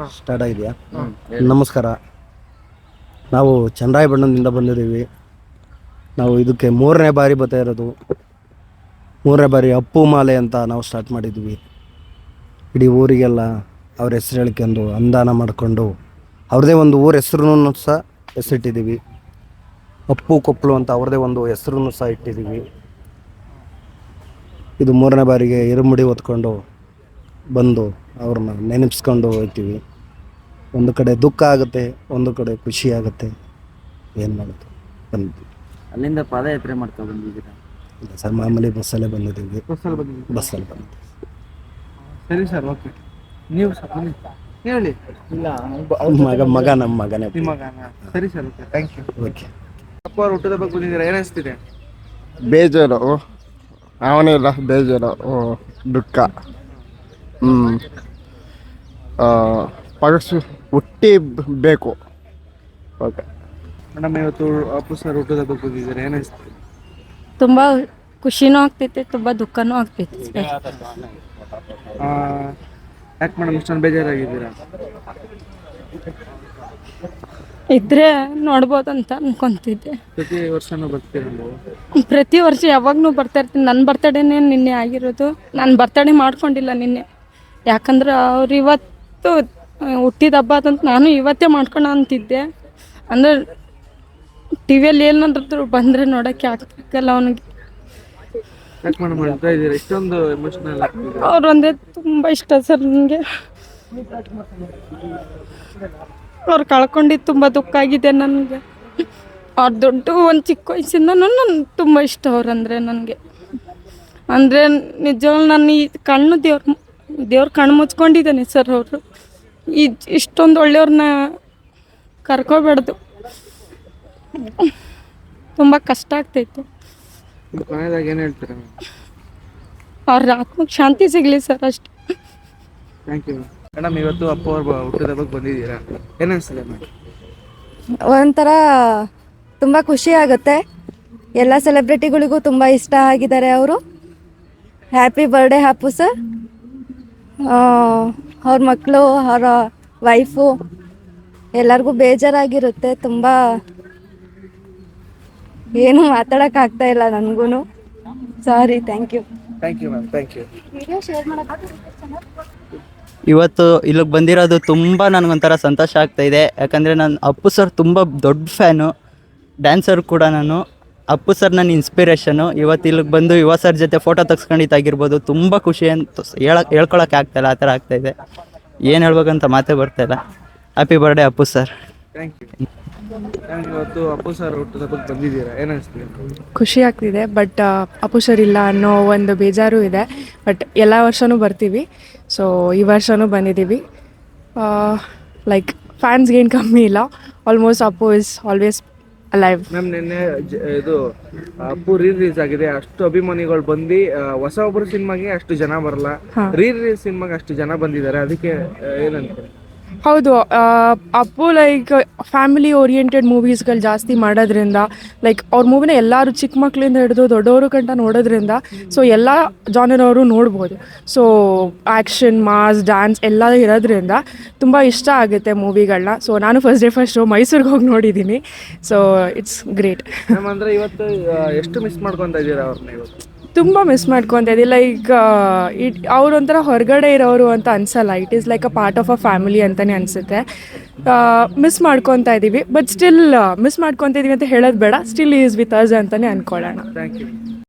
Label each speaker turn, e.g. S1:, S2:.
S1: Start ಆಗಿದೆಯಾ? ನಮಸ್ಕಾರ. ನಾವು ಚನ್ನರಾಯಪಟ್ಟಣದಿಂದ ಬಂದಿದ್ದೀವಿ. ನಾವು ಇದಕ್ಕೆ 3ನೇ ಬಾರಿ ಬರ್ತಾ ಇರೋದು. 3ನೇ ಬಾರಿ ಅಪ್ಪು ಮಾಲೆ ಅಂತ ನಾವು ಸ್ಟಾರ್ಟ್ ಮಾಡಿದ್ವಿ. ಇಡೀ ಊರಿಗೆಲ್ಲ ಅವ್ರ ಹೆಸರು ಹೇಳ್ಕೊಂಡು ಅನುದಾನ ಮಾಡಿಕೊಂಡು ಅವ್ರದ್ದೇ ಒಂದು ಊರ ಹೆಸರನ್ನು ಸಹ ಹೆಸರಿಟ್ಟಿದ್ದೀವಿ. ಅಪ್ಪು ಕೊಪ್ಪಳು ಅಂತ ಅವ್ರದ್ದೇ ಒಂದು ಹೆಸರನ್ನು ಸಹ ಇಟ್ಟಿದ್ದೀವಿ. ಇದು 3ನೇ ಬಾರಿಗೆ ಇರುಮುಡಿ ಹೊತ್ಕೊಂಡು ಬಂದು ಅವ್ರನ್ನ ನೆನಪಿಸ್ಕೊಂಡು ಹೋಗ್ತೀವಿ. ಒಂದು ಕಡೆ ದುಃಖ ಆಗುತ್ತೆ, ಒಂದು ಕಡೆ ಖುಷಿ ಆಗುತ್ತೆ. ಏನು ಮಾಡುತ್ತೆ ಬಂದ್ವಿ.
S2: ಅಲ್ಲಿಂದ ಪಾದಯಾತ್ರೆ ಮಾಡ್ತಾ ಬಂದಿದ್ದೀರಾ?
S1: ಇಲ್ಲ ಸರ್, ಮಾಮೂಲಿ ಬಸ್ಸಲ್ಲೇ ಬಂದಿದ್ದೀವಿ. ಬಸ್ಸಲ್ಲಿ ಬಂದಿದ್ದೀವಿ.
S3: ಸರಿ ಸರ್, ಓಕೆ. ನೀವು ಸರ್ ಹೇಳಿ. ಇಲ್ಲ
S1: ಮಗ ನಮ್ಮ ಮಗನೇ.
S3: ನಿಮ್ಮ ಮಗನ? ಸರಿ sir, okay, thank you.
S1: Okay.
S3: ಅಪ್ಪ ಅವ್ರು ಹುಟ್ಟದ ಬಗ್ಗೆ ಬಂದಿದ್ದೀರಾ, ಏನಿಸ್ತಿದೆ?
S4: ಬೇಜಾರು, ಅವನೇ ಇಲ್ಲ ಬೇಜಾರು, ದುಃಖ. ಪಗಸು ಹುಟ್ಟಿ ಬೇಕು. ಓಕೆ
S3: ಮೇಡಮ್, ಇವತ್ತು ಅಪ್ಪು ಸರ್ ಹುಟ್ಟದ ಬಗ್ಗೆ ಬಂದಿದ್ದೀರಾ, ಏನಿಸ್ತಿದೆ?
S5: ತುಂಬ ಖುಷಿನೂ ಆಗ್ತೈತೆ, ತುಂಬ ದುಃಖನೂ ಆಗ್ತೈತೆ.
S3: ಯಾಕೆ ಮೇಡಮ್ ಇಷ್ಟೊಂದು ಬೇಜಾರಾಗಿದ್ದೀರಾ?
S5: ಇದ್ರೆ ನೋಡ್ಬೋದಂತ ಅನ್ಕೊಂತಿದ್ದೆ.
S3: ಪ್ರತಿ ವರ್ಷನೂ ಬರ್ತೀರಾ ನೀವು?
S5: ಪ್ರತಿ ವರ್ಷ ಯಾವಾಗ್ಲೂ ಬರ್ತಾ ಇರ್ತೀನಿ. ನನ್ನ ಬರ್ತಡೇನೇ ನಿನ್ನೆ ಆಗಿರೋದು. ನಾನು ಬರ್ತಡೇ ಮಾಡ್ಕೊಂಡಿಲ್ಲ ನಿನ್ನೆ, ಯಾಕಂದ್ರೆ ಅವ್ರು ಇವತ್ತು ಹುಟ್ಟಿದ ಹಬ್ಬ ಅದಂತ ನಾನು ಇವತ್ತೇ ಮಾಡ್ಕೊಳ ಅಂತಿದ್ದೆ. ಅಂದ್ರೆ ಟಿ ವಿಯಲ್ಲಿ ಏನಾದ್ರು ಬಂದರೆ ನೋಡೋಕ್ಕೆ ಆಗ್ತಿಲ್ಲ ಅವನಿಗೆ.
S3: ಯಾಕೆ ಮೇಡಮ್ ಹೇಳ್ತಾ ಇದ್ದೀರಾ ಇಷ್ಟೊಂದು ಎಮೋಷನಲ್ ಆಗ್ತಿದೆ?
S5: ಅವ್ರು ಅಂದರೆ ತುಂಬ ಇಷ್ಟ ಸರ್ ನನಗೆ. ಅವ್ರು ಕಳ್ಕೊಂಡಿದ್ದು ತುಂಬ ದುಃಖ ಆಗಿದೆ ನನಗೆ. ಅವ್ರು ದೊಡ್ಡ ಒಂದು ಚಿಕ್ಕ ವಯಸ್ಸಿಂದನೂ ನನಗೆ ತುಂಬ ಇಷ್ಟ ಅವ್ರಂದರೆ ನನಗೆ. ಅಂದರೆ ನಿಜವಾಗ್ಲೂ ನಾನು ಈ ಕಣ್ಣು ದೇವ್ರ ಕಣ್ಣು ಮುಚ್ಕೊಂಡಿದ್ದಾನೆ ಸರ್. ಅವರು ಇಷ್ಟೊಂದು ಒಳ್ಳೆಯವ್ರನ್ನ ಕರ್ಕೋಬಾರ್ದು. ತುಂಬ ಕಷ್ಟ ಆಗ್ತೈತೆ.
S3: ಕೊನೆಯದಾಗಿ ಏನು ಹೇಳ್ತೀರಾ?
S5: ಅವ್ರ ಆತ್ಮಕ್ಕೆ ಶಾಂತಿ ಸಿಗಲಿ ಸರ್, ಅಷ್ಟೇ.
S3: Thank you madam. ಇವತ್ತು ಅಪ್ಪ ಅವ್ರ ಹುಟ್ಟಿದ ಬಗ್ಗೆ ಬಂದಿದ್ದೀರಾ, ಏನಿಸ್ತಿದೆ ಮೇಡಮ್?
S6: ಒಂಥರ ತುಂಬ ಖುಷಿ ಆಗುತ್ತೆ. ಎಲ್ಲ ಸೆಲೆಬ್ರಿಟಿಗಳಿಗೂ ತುಂಬ ಇಷ್ಟ ಆಗಿದ್ದಾರೆ ಅವರು. Happy birthday Appu sir. ಅವ್ರ ಮಕ್ಕಳು, ಅವರ ವೈಫು ಎಲ್ಲರಿಗೂ ಬೇಜಾರಾಗಿರುತ್ತೆ ತುಂಬ. ಏನು ಮಾತಾಡೋಕ್ಕಾಗ್ತಾ ಇಲ್ಲ ನನಗೂ. Sorry. Thank you.
S3: Thank you ma'am, thank you.
S2: ಇವತ್ತು ಇಲ್ಲಿಗೆ ಬಂದಿರೋದು ತುಂಬ ನನಗೊಂಥರ ಸಂತೋಷ ಆಗ್ತಾ ಇದೆ. ಯಾಕಂದರೆ ನಾನು ಅಪ್ಪು ಸರ್ ತುಂಬ ದೊಡ್ಡ ಫ್ಯಾನು, ಡ್ಯಾನ್ಸರ್ ಕೂಡ ನಾನು. ಅಪ್ಪು ಸರ್ ನನ್ನ ಇನ್ಸ್ಪಿರೇಷನು. ಇವತ್ತು ಇಲ್ಲಿಗೆ ಬಂದು ಯುವ ಸರ್ ಜೊತೆ ಫೋಟೋ ತೆಗ್ಸ್ಕೊಂಡಿದ್ದಾಗಿರ್ಬೋದು, ತುಂಬ ಖುಷಿ ಅಂತ ಹೇಳ್ಕೊಳಕ್ಕೆ ಆಗ್ತಾಯಿಲ್ಲ, ಆ ಥರ ಆಗ್ತಾಯಿದೆ. ಏನು ಹೇಳ್ಬೇಕಂತ ಮಾತೇ ಬರ್ತಾಯಿಲ್ಲ. Happy birthday Appu sir.
S3: Thank you. ಇವತ್ತು ಅಪ್ಪು ಸರ್ ಹುಟ್ಟಿದ ಬಗ್ಗೆ ಬಂದಿದ್ದೀರಾ, ಏನಿಸ್ತಿದೆ?
S7: ಖುಷಿ ಆಗ್ತಿದೆ, ಬಟ್ ಅಪ್ಪು ಸರ್ ಇಲ್ಲ ಅನ್ನೋ ಒಂದು ಬೇಜಾರು ಇದೆ. ಬಟ್ ಎಲ್ಲ ವರ್ಷವೂ ಬರ್ತೀವಿ, ಸೊ ಈ ವರ್ಷವೂ ಬಂದಿದ್ದೀವಿ. ಲೈಕ್ ಫ್ಯಾನ್ಸ್ಗೇನು ಕಮ್ಮಿ ಇಲ್ಲ. Almost Appu is always alive.
S3: Ma'am, ನಿನ್ನೆ ಇದು ಅಪ್ಪು ರಿಲೀಸ್ ಆಗಿದೆ. ಅಷ್ಟು ಅಭಿಮಾನಿಗಳು ಬಂದು ಹೊಸ ಒಬ್ಬರು ಸಿನಿಮಾಗೆ ಅಷ್ಟು ಜನ ಬರಲ್ಲ, ರಿಲೀಸ್ ಸಿನಿಮಾಗೆ ಅಷ್ಟು ಜನ ಬಂದಿದ್ದಾರೆ, ಅದಕ್ಕೆ ಏನಂತ?
S7: ಹೌದು, ಅಪ್ಪು ಲೈಕ್ ಫ್ಯಾಮಿಲಿ ಓರಿಯೆಂಟೆಡ್ ಮೂವೀಸ್ಗಳು ಜಾಸ್ತಿ ಮಾಡೋದ್ರಿಂದ, ಲೈಕ್ ಅವ್ರ ಮೂವಿನ ಎಲ್ಲರೂ ಚಿಕ್ಕ ಮಕ್ಕಳಿಂದ ಹಿಡಿದು ದೊಡ್ಡವರು ಗಂಟ ನೋಡೋದ್ರಿಂದ, ಸೊ ಎಲ್ಲ ಜಾನರವರು ನೋಡ್ಬೋದು. ಸೊ ಆ್ಯಕ್ಷನ್, ಮಾಸ್, ಡ್ಯಾನ್ಸ್ ಎಲ್ಲ ಇರೋದ್ರಿಂದ ತುಂಬ ಇಷ್ಟ ಆಗುತ್ತೆ ಮೂವಿಗಳನ್ನ. ಸೊ ನಾನು ಫಸ್ಟ್ ಶೋ ಮೈಸೂರಿಗೆ ಹೋಗಿ ನೋಡಿದ್ದೀನಿ. So it's great.
S3: ಮ್ಯಾಮ್, ಅಂದರೆ ಇವತ್ತು ಎಷ್ಟು ಮಿಸ್ ಮಾಡ್ಕೊತಾ ಇದ್ದೀರಾ ಅವ್ರನ್ನ? ಇವತ್ತು
S7: ತುಂಬ ಮಿಸ್ ಮಾಡ್ಕೊತಾ ಇದ್ದೀವಿ. ಲೈಕ್ ಅವ್ರು ಒಂಥರ ಹೊರಗಡೆ ಇರೋರು ಅಂತ ಅನ್ಸಲ್ಲ. It is like a part of a family ಅಂತಲೇ ಅನಿಸುತ್ತೆ. ಮಿಸ್ ಮಾಡ್ಕೊತಾ ಇದ್ದೀವಿ, ಬಟ್ ಸ್ಟಿಲ್ ಮಿಸ್ ಮಾಡ್ಕೊತಾ ಇದ್ದೀವಿ ಅಂತ ಹೇಳೋದು ಬೇಡ. ಸ್ಟಿಲ್ ಈಸ್ ವಿತ್ ಅಸ್ ಅಂತಲೇ ಅಂದ್ಕೊಳ್ಳೋಣ.
S3: Thank you.